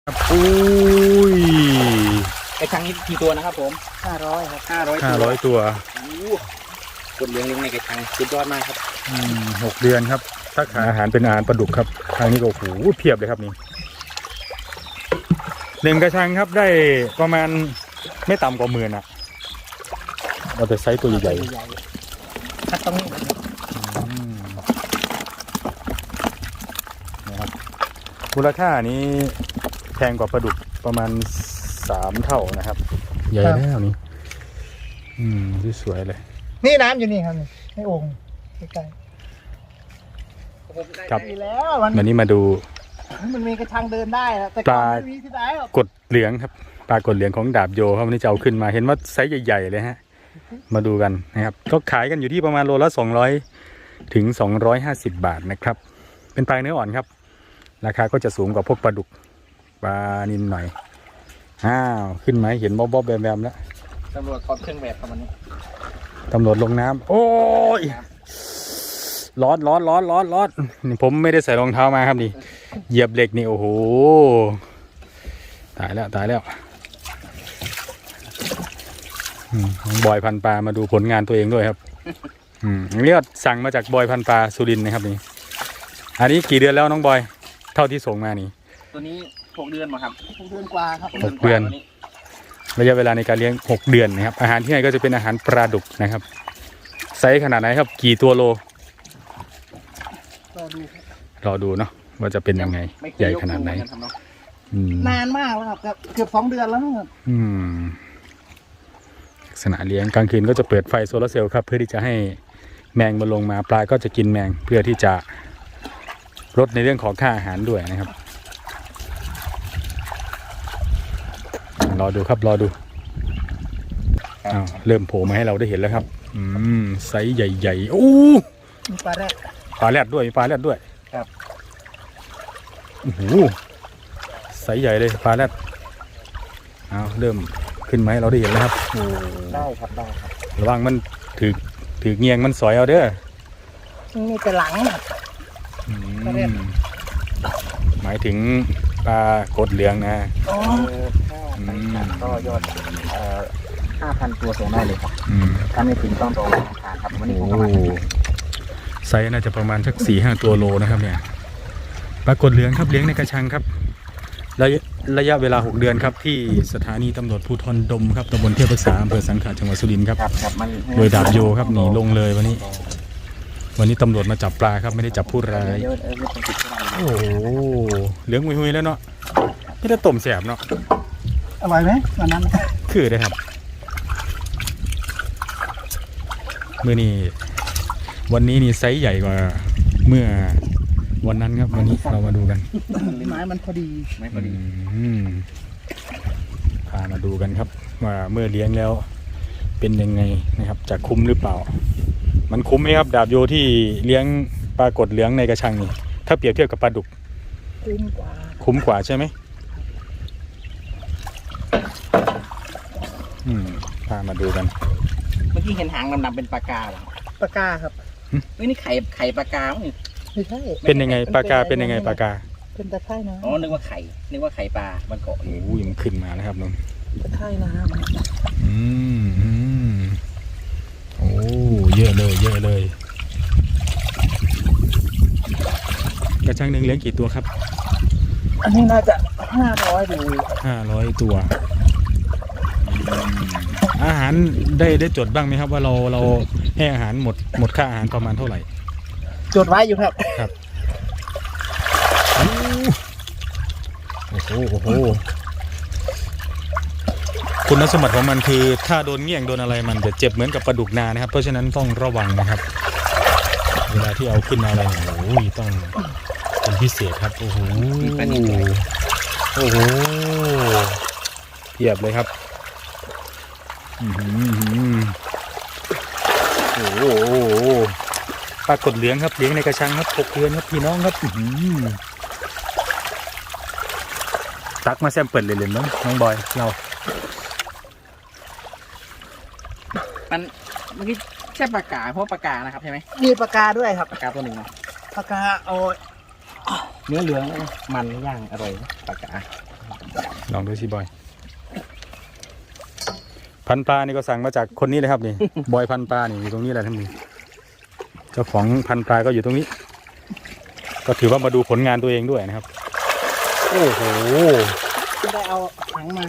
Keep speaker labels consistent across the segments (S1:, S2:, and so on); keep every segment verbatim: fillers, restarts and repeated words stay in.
S1: อุ้ย
S2: ไอ้ครั้งนี้กี่ตัวนะครับผม
S3: ห้าร้อยครับ
S2: ห้าร้อย
S1: ห้าร้อยตัว
S2: กดเลี้ยงเลี้ยงในกระชังสุดยอดมากครับ
S1: อืมหกเดือนครับถ้าขายอาหารเป็นอาหารปลาดุกครับทางนี้ก็โอ้โหเพียบเลยครับนี่หนึ่งกระชังครับได้ประมาณไม่ต่ำกว่าหมื่นอ่ะเราจะไซส์ตัวใหญ่
S3: ๆถ้าต้อง
S1: นะครับมูลค่านี้แพงกว่าปลาดุกประมาณสามเท่านะครับใหญ่แล้วนี่อืมสวยเลย
S3: นี่น้ำอยู่นี่ครับให้โอ่งใกล้
S1: ๆครับ
S3: แล้ว
S1: วันนี้มาดู
S3: มันมีกระชังเดินได้แต่
S1: ปลากดเหลืองครับปลากดเหลืองของดาบโยครับวันนี้จะเอาขึ้นมาเห็นว่าไซส์ใหญ่ๆเลยฮะมาดูกันนะครับก็ขายกันอยู่ที่ประมาณโลละสองร้อยถึงสองร้อยห้าสิบบาทนะครับเป็นปลาเนื้ออ่อนครับราคาก็จะสูงกว่าพวกปลาดุกปลานิลหน่อยอ้าวขึ้นไหมเห็นบ๊อบๆแบมๆแล้ว
S2: ตำรวจถอดเครื่องแบบประมาณนี้
S1: ตำรวจลงน้ำโอ้ยร้อนร้อนร้อนร้อนร้อนนี่ผมไม่ได้ใส่รองเท้ามาครับนี่เหยียบเหล็กนี่โอ้โหตายแล้วตายแล้วบอยพันปลามาดูผลงานตัวเองด้วยครับอืมนี่ก็สั่งมาจากบอยพันปลาสุรินทร์นะครับนี่อันนี้กี่เดือนแล้วน้องบอยเท่าที่ส่งมานี่
S2: ตัวนี้หกเดือนมาครับ
S3: หกเดือนกว่าครับ
S1: หกเดือนระยะเวลาในการเลี้ยงหกเดือนนะครับอาหารที่ให้ก็จะเป็นอาหารปลาดุกนะครับไซส์ขนาดไหนครับกี่ตัวโล
S3: รอดู
S1: รอดูเนาะว่าจะเป็นยังไงใหญ่ขนาดไหน
S3: นานมากแล้วครับเกือบสองเดือนแล้วครับ
S1: อืมลักษณะเลี้ยงกลางคืนก็จะเปิดไฟโซลาร์เซลล์ครับเพื่อที่จะให้แมงมาลงมาปลาก็จะกินแมงเพื่อที่จะลดในเรื่องของค่าอาหารด้วยนะครับรอดูครับรอดูอ้าวเริ่มโผล่มาให้เราได้เห็นแล้วครับอืมไซส์ใหญ่ๆโอ้
S3: มีปลาแรด
S1: ปลาแรดด้วยมีปลาแรดด้วย
S3: ครับ
S1: โอ้โหไซส์ใหญ่เลยปลาแรดอ้าวเริ่มขึ้นมาให้เราได้เห็นแล้วครับโอ้
S3: ได้ครับได้ครับ
S1: ระวังมันถือถือเงียงมันสอยเอาเด้อ
S3: มีแต่หลัง
S1: หมายถึงปลากดเหลืองนะ
S3: อ๋อ
S2: ก็ยอดห้าพันตัวส่งได้เลยครับถ้าไม่ถึงต้องรอราคาครับวันนี้ผมประมาณ
S1: ไซส์น่าจะประมาณสักสี่ห้าตัวโลนะครับเนี่ยปลากดเหลืองครับเลี้ยงในกระชังครับระยะระยะเวลาหกเดือนครับที่สถานีตำรวจภูธรดมครับตำบลเทพรักษาอำเภอสังขะจังหวัดสุรินทร์ครับโดยดาบโยครับหนีลงเลยวันนี้วันนี้ตำรวจมาจับปลาครับไม่ได้จับผู้ร้ายโอ้โหเหลืองหุยๆแล้วเนาะไม่ได้ต้มแสบเนาะ
S3: อร่อยไหมวันนั้น
S1: คือได้ครับเมื่อนี้วันนี้นี่ไซส์ใหญ่กว่าเมื่อวันนั้นครับวันนี้เรามาดูกัน
S3: ไม้มันพอดี
S2: ไม้พอดี
S1: พามาดูกันครับว่าเมื่อเลี้ยงแล้วเป็นยังไงนะครับจะคุ้มหรือเปล่ามันคุ้มไหมครับดาบโยที่เลี้ยงปลากดเหลืองในกระชังนี่ถ้าเปรียบเทียบกับปลาดุก
S3: คุ้มกว่า
S1: คุ้มกว่าใช่ไหมอืมพามาดูกัน
S2: เมื่อกี้เห็นหางดำๆเป็นปลากาเหรอ
S3: ปลากาครับ
S2: เฮ้ยนี่ไข่ไข่ปลากา
S3: ไม่ใช่
S1: เป็นยังไงปลากาเป็นยังไงปลากา
S3: เป็นตะไคร่น้ำ
S2: อ๋อนึกว่าไข่นึกว่าไข่ปลามันเกาะอยู่
S1: โอ้ยมันขึ้นมาแล้วครับน้อง
S3: ตะไคร่น้ำ
S1: อืมอืมโอ้เยอะเลยเยอะเลยกระชังหนึ่งเลี้ยงกี่ตัวครับ
S3: อันนี้น่าจะห้าร้อยดู
S1: ห้าร้อยตัวอาหารได้ได้จดบ้างไหมครับว่าเราเราให้อาหารหมดหมดค่าอาหารประมาณเท่าไหร่
S3: จดไว้อยู่ครับ
S1: ครับโอ้โหโอ้โหคุณสมบัติของมันคือถ้าโดนเงี้ยงโดนอะไรมันจะเจ็บเหมือนกับปลาดุกนานะครับเพราะฉะนั้นต้องระวังนะครับเวลาที่เอาขึ้นมาอะไรโอ้ยต้องเป็นพิเศษครับโอ้โหโอ้โหเทียบเลยครับโอ้โหปลากดเหลืองครับเลี้ยงในกระชังครับหกเดือนครับพี่น้องครับตักมาแซมเปิดเลยเลยน้องน้องบอยเรา
S2: มันเมื่อกี้ใช่ปลากาเพราะปลากานะครับใช่ไหม
S3: มีปลากาด้วยครับ
S2: ปลากาตัวหนึ่ง
S3: ปลากาเอา
S2: เนื้อเหลืองมันย่างอร่อยปลากา
S1: ลองดูสิบอย พันปลานี่ก็สั่งมาจากคนนี้เลยครับนี่ บอยพันปลานี่อยู่ตรงนี้แหละท่านผู้เจ้าของพันปลาก็อยู่ตรงนี้ ก็ถือว่ามาดูผลงานตัวเองด้วยนะครับ โอ้โห
S3: ได้เอาถังมา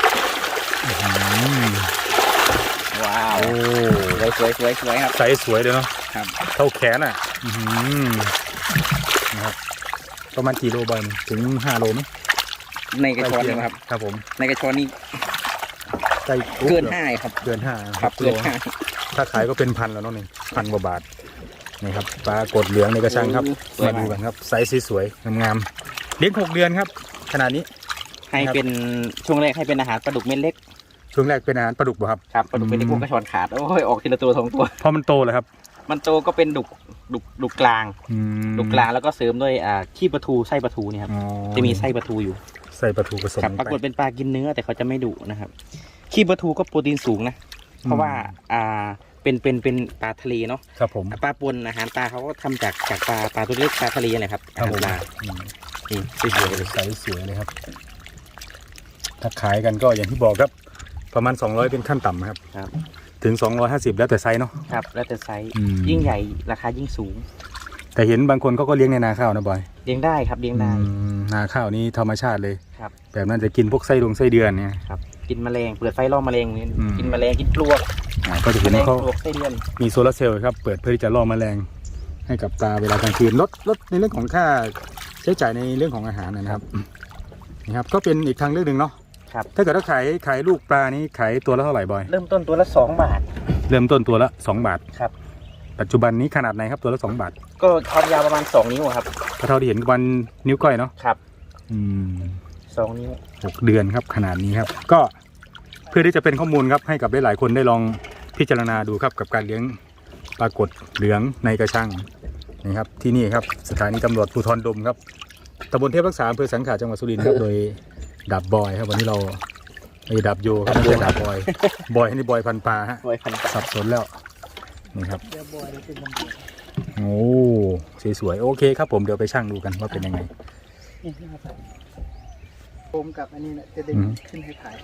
S2: ว้าว
S1: โอ้
S2: สวยสวยสวยครับ
S1: ไซส์สวยเลยเนาะ
S2: ครับ
S1: เท่าแขนอ่ะอื้อหือนะครับประมาณกี่โลบอยนี่ถึงห้าโลไหม
S2: ในกระชอนนี่ครับ
S1: ครับผม
S2: ในกระชอนนี่
S1: ใกล้
S2: เกินห้าครับ
S1: เกินห้า
S2: ครับเกินห้า
S1: ถ้าขายก็เป็นพันแล้วเนาะนี่พันกว่าบาทนี่ครับปลากดเหลืองในกระชังครับ
S2: สวย
S1: มาดู
S2: มาก
S1: กันครับไซส์สวยๆงามๆเลี้ยงหกเดือนครับขนาดนี้
S2: ให้เป็นช่วงแรกให้เป็นอาหารปลาดุกเม็ดเล็ก
S1: ช่วงแรกเป็นอาหารปลาดุกบ่ครับ
S2: ครับปลาดุกเม็ดเล็กพวกกระชอนขาดโอ้ยออกทีละตัวสองตัว
S1: พอมันโตแล้วครับ
S2: มันโตก็เป็นดุกดุกดุกกลาง
S1: อืม
S2: ดุกกลางแล้วก็เสริมด้วยอ่าขี้ปลาทูไส้ปลาทูเนี่ยครับ
S1: อ๋อ
S2: จะมีไส้ปลาทูอยู่
S1: ใส่ปลาทูผสม
S2: ครับ
S1: ลง
S2: ปรากฏ
S1: ไป
S2: เป็นปลากินเนื้อแต่เขาจะไม่ดุนะครับขี้ปลาทูก็โปรตีนสูงนะเพราะว่าอ่าเป็นเป็นเป็นปลาทะเลเนาะ
S1: ครับผม
S2: ปลาปนอาหารปลาเขาก็ทำจากจากปลาปลาตัวเล็กปลาทะเลอะไรครับ
S1: ครั
S2: อา
S1: บ
S2: หาร
S1: ผม
S2: ปลา
S1: อืม
S2: นี่สวยๆเลย
S1: ไซส์สวยเลยครับถ้าขายกันก็อย่างที่บอกครับ ประมาณสองร้อยเป็นขั้นต่ำครับ
S2: ครับ
S1: ถึงสองร้อยห้าสิบแล้วแต่ไซส์เนาะ
S2: ครับแล้วแต่ไซส์
S1: อืม
S2: ยิ่งใหญ่ราคายิ่งสูง
S1: แต่เห็นบางคนเขาก็เลี้ยงในนาข้าวนะบอย
S2: เลี้ยงได้ครับเลี้ยงได้
S1: อืมนาข้าวนี้ธรรมชาติเลย
S2: ครับ
S1: แบบนั้นจะกินพวกไส้ดวงไส้เดือนเนี่ย
S2: ครับกินแมลงเปิดไฟล่อแมลงนี่
S1: อืม
S2: กินแมลงกินปลวก
S1: อ่าก็จะ
S2: แม
S1: เห็น
S2: ลง
S1: เขา
S2: ปลวกไส้เดือน
S1: มีโซลาร์เซลล์ครับเปิดเพื่อที่จะล่อแมลงให้กับปลาเวลากลางคืนลดลดในเรื่องของค่าใช้จ่ายในเรื่องของอาหารนะครับนี่ครับก็เป็นอีกทางเลือกหนึ่งเนาะ
S2: ครับ
S1: ถ้าเกิดว่าขายขายลูกปลานี้ขายตัวละเท่าไหร่บอย
S2: เริ่มต้นตัวละสองบาท
S1: เริ่มต้นตัวละสองบาท
S2: ครับ
S1: ปัจจุบันนี้ขนาดไหนครับตัวละสองบาท
S2: ก็ความยาวประมาณสองนิ้วครับ
S1: ก็เท่าที่เห็นวันนิ้วก้อยเนาะ
S2: ครับ
S1: อืม
S2: สองนิ้ว
S1: หกเดือนครับขนาดนี้ครับ ก็เพื่อที่จะเป็นข้อมูลครับให้กับหลายๆคนได้ลองพิจารณาดูครับกับการเลี้ยงปลากดเหลืองในกระชังนี่ครับที่นี่ครับสถานีตำรวจภูธรดมครับตำบลเทพรักษาอำเภอสังขะจังหวัดสุรินทร์ครับโดยดาบบอยครับวันนี้เราไอ้ดาบโยครับไม่ใช่ดาบบอยบอยนี่บอยพันปลาฮะ
S2: ไว้พัน
S1: สับสนแล้วนี่ครับ
S3: เดี๋ยวบอยเดี๋ยวเป็นลำบาก
S1: โอ้สวยๆโอเคครับผมเดี๋ยวไปช่างดูกันว่าเป็นยังไง
S3: นี่นะครับโฟมกับอันนี้เนี่ยจะดึง
S1: อืม
S3: ขึ้นให้ถ่าย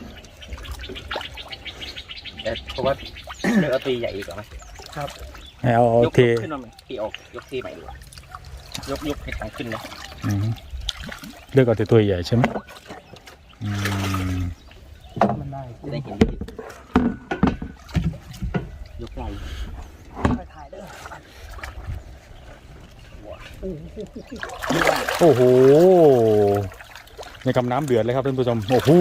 S2: แต่เพราะว่า เลือกเอาตีใหญ่อีกเหรอไหม
S3: ครับ
S1: ให้เอา
S2: ยก
S1: เท
S2: ขึ้นมาไหมตีออกยกตีใหม่ดีกว่ายกยกให้ทางขึ้นเลย
S1: อืมเลือกเอาแต่ตัวใหญ่ใช่ไหมอืม
S3: มันได้
S2: จะได้เห็นดียกไหล่
S3: ไปถ่ายได้
S1: โอ้โหในกำน้ำเดือดเลยครับท่านผู้ชมโอ้โห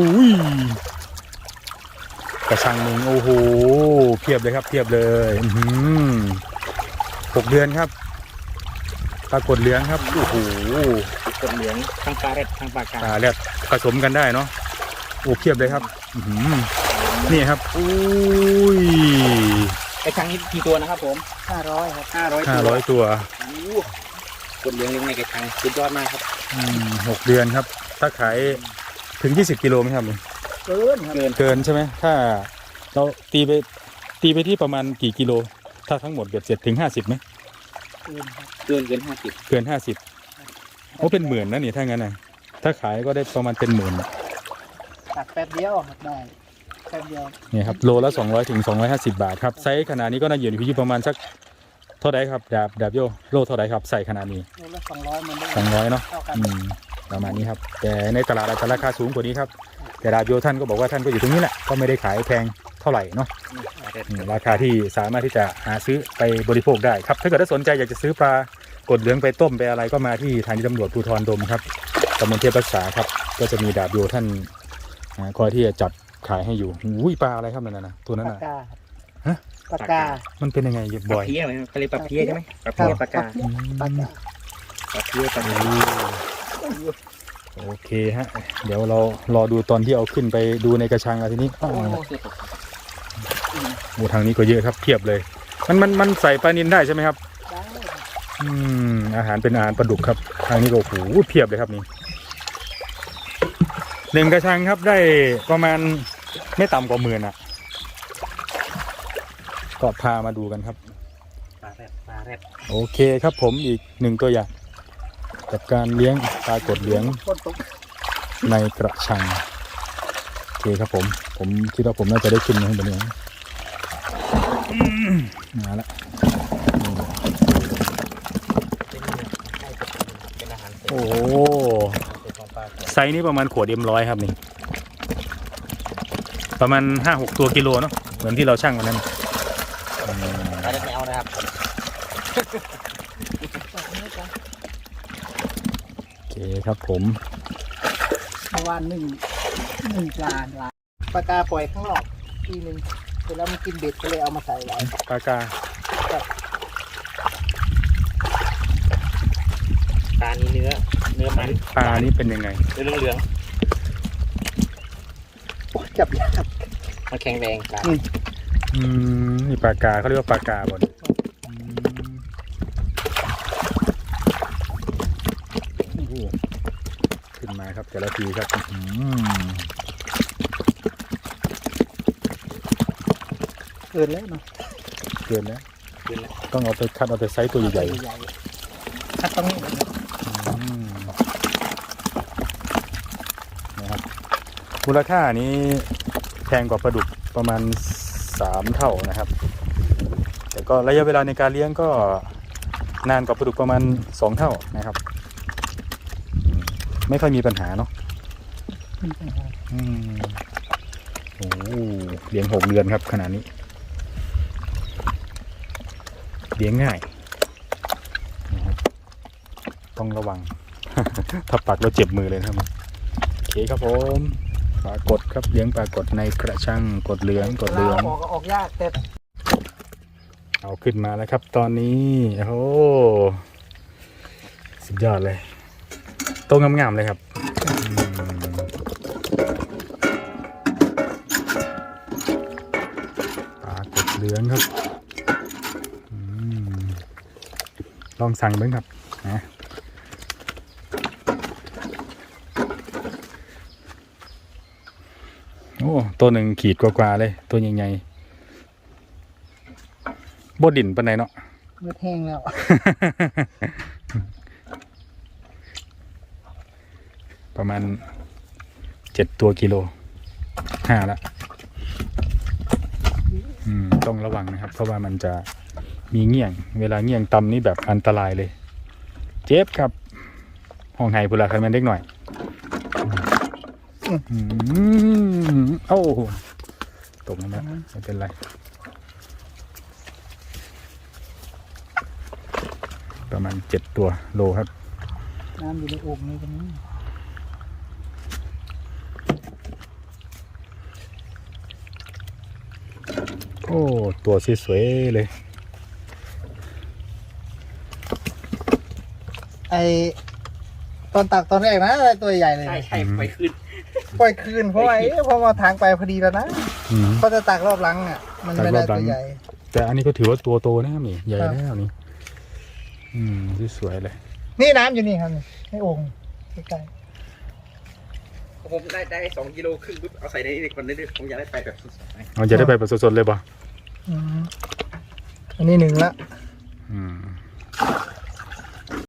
S1: กระชังหนึ่งโอ้โหเพียบเลยครับเพียบเลยอื้อหือหกเดือนครับปลากดเหลืองครับโอ้โห
S2: กดเหลืองทางปลาเร็ดทางปลากา
S1: ปลาแรดผสมกันได้เนาะโอ้เพียบเลยครับอื้อหือนี่ครับอุ้ย
S2: ไอ้ครั้งนี้กี่ตัวนะครับผม
S3: ห้าร้อยครับ
S2: ห้าร้อย
S1: ห้าร้อยตัว
S2: กดเหลืองเลี้ยงในกระชังสุดยอดมากครับ
S1: อืมหกเดือนครับ ถ้าขายถึงยี่สิบกิโลไหมครับลุง
S3: เกินครับ
S2: เกิน
S1: เกินใช่ไหมถ้าเราตีไปตีไปที่ประมาณกี่กิโล ถ้าทั้งหมดเบ็ดเสร็จถึงห้าสิบไหม
S3: เกินครับ
S2: เกินเกินห้าสิบ
S1: เกินห้าสิบโอ้เป็นหมื่นนะนี่ถ้างั้นนะถ้าขายก็ได้ประมาณเป็นหมื่น
S3: ตัดแป๊บเดียวครับได้แป๊บเดียว
S1: นี่ครับโลละสองร้อยถึงสองร้อยห้าสิบบาทครับไซส์ขนาดนี้ก็น่าอยู่ที่ประมาณสักเท่าไหร่ครับดาบดาบโยโลเท่าไหร่ครับใส่ขนาดนี้
S3: โลละสองร้อยมันได้
S1: สองร้อยเนาะ
S3: เท่ากัน
S1: อืมประมาณนี้ครับแต่ในตลาดอาจจะราคาสูงกว่านี้ครับแต่ดาบโยท่านก็บอกว่าท่านก็อยู่ตรงนี้แหละก็ไม่ได้ขายแพงเท่าไหร่เนาะ อืมราคาที่สามารถที่จะหาซื้อไปบริโภคได้ครับถ้าเกิดว่าสนใจอยากจะซื้อปลากดเหลืองไปต้มไปอะไรก็มาที่ทางตำรวจภูธรดมครับตำบลเทพรักษาครับก็จะมีดาบโยท่านอ่าคอยที่จะจัดขายให้อยู่อุ้ยปลาอะไรครับนั่นน่ะนะตัวนั้น
S3: ปาก
S1: น่ะ
S3: กา
S1: ฮะ
S3: ปากกา
S1: มันเป็นยังไง
S2: ป
S1: บ่
S2: ลา
S1: อย
S2: เพี้ยไหมเขาเรียกปลาเพี้ยใช่ไหมปลาเพี้ยปลากา
S1: อืม
S3: ปากกา
S2: ปลาเพี้ยปลา
S1: โอ้
S2: กา
S1: โอเคฮะเดี๋ยวเรารอดูตอนที่เอาขึ้นไปดูในกระชังแล้วทีนี้อ้าว
S2: โอ้เสียตก
S1: โอ้ทางนี้ก็เยอะครับเพียบเลย มันมันมันใส่ปลานิลได้ใช่ไหมครับ
S3: ได้ครับ
S1: อืมอาหารเป็นอาหารปลาดุกครับทางนี้ก็โอ้โหเพียบเลยครับนี่หนึ่งกระชังครับได้ประมาณไม่ต่ำกว่าหมื่นอ่ะก็พามาดูกันครับ
S2: ปลาแรดปลาแรด
S1: โอเคครับผมอีกหนึ่งตัวอย่างกับการเลี้ยงปลากดเหลือง
S3: ฝนตก
S1: ในกระชังโอเคครับผมผมคิดว่าผมน่าจะได้ขึ้นข้างบนนี้อืมมาละ
S2: เป็นอาหารเสริม
S1: โอ้โห
S2: ของปลา
S1: ไซส์นี้ประมาณขวดเอ็มร้อยครับนี่ประมาณห้าหกตัวกิโลเนาะเหมือนที่เราชั่งวันนั้นอืม
S2: ไม่ได้ไม่เอานะครับ
S1: โอเคครับผม
S3: เมื่อวานหนึ่งหนึ่งปลาปลาปลากาปล่อยข้างนอกทีหนึ่งเสร็จแล้วมันกินเบ็ดก็เลยเอามาใส่ไว้
S1: ปลากา
S2: ปลานี้เนื้อ เนื้อมัน
S1: ปลานี่เป็นยังไง
S2: เนื้อเหลือง
S3: โอ้ยจับยาก
S2: ๆมันแข็งแรงปลา
S1: อืมนี่ปลากาเขาเรียกว่าปลากาบนอืมโอ้โหขึ้นมาครับแต่ละทีครับอืม
S3: เกินแล้วเนาะ
S1: เกินแล้ว
S2: ขึ้นแล้ว
S1: ต้องเอาไปคัดเอาแต่ไซส์ตัวใหญ่
S3: ใหญ่ๆคัดตรงนี้เลยนะ
S1: ๆอืมนะครับมูลค่านี้แพงกว่าปลาดุกประมาณสามเท่านะครับ แต่ก็ระยะเวลาในการเลี้ยงก็นานกว่าปลาดุกประมาณสองเท่านะครับอืมไม่ค่อยมีปัญหาเนาะ อืมโอ้โหเลี้ยงหกเดือนครับขนาดนี้เลี้ยงง่ายนะครับต้องระวัง ถ้าปักแล้วเจ็บมือเลยนะครับโอเคครับผมปลากดครับเลี้ยงปลากดในกระชังกดเหลืองกดเหลือง
S3: ออกก็ออกยากแต่
S1: เอาขึ้นมาแล้วครับ ตอนนี้โอ้โหสุดยอดเลยโตงามๆเลยครับอืมปลากดเหลืองครับอืมลองสั่งเบ้างครับนะโอ้ตัวหนึ่งขีดกว่าๆเลย ตัวใหญ่ๆบดดินปานใดเนาะ
S3: เมื่อแห้งแล้ว
S1: ประมาณเจ็ดตัวกิโลห้าละอืมต้องระวังนะครับ เพราะว่ามันจะมีเงี่ยง เวลาเงี่ยงต่ำนี่แบบอันตรายเลย เจ็บครับ ห้องไห้พุลาคันแมนเล็กหน่อยอืมเอ้าตกลงมาไม่เป็นไร ประมาณเจ็ดตัวโลครับ
S3: น้ำอยู่ในโอ่งนี่ตรงนี้
S1: โอ้ตัวสวยๆเลย
S3: ไอตอนตักตอนแรกนะอะไรตัวใหญ่เลย
S2: ใช่ใช่ไปขึ้น
S3: ปล่อยคืนเพราะว่าเอ๊ะพอมาทางไปพอดีแล้วนะ
S1: อืม
S3: ก็จะตักรอบหลังอ่ะ มันไม่ได้
S1: ตักรอบหลั
S3: ตั
S1: ง
S3: วใหญ่
S1: แต่อันนี้ก็ถือว่าตัวโตนะครับนี่ใหญ่
S3: ครับ
S1: แล้วนี่ อืมสวยๆเลย
S3: นี่น้ำอยู่นี่ครับนี่ในโอ่งใกล้
S2: ผมได้ได้สองกิโลครึ่งปุ๊บเอาใส่ในนี้คนนี้ผมอยากได้ไปแบบสดๆนะ
S1: เราจะได้ไปแบบสดๆเลยป่ะ
S3: ๆอืมอันนี้หนึ่งละ
S1: อืม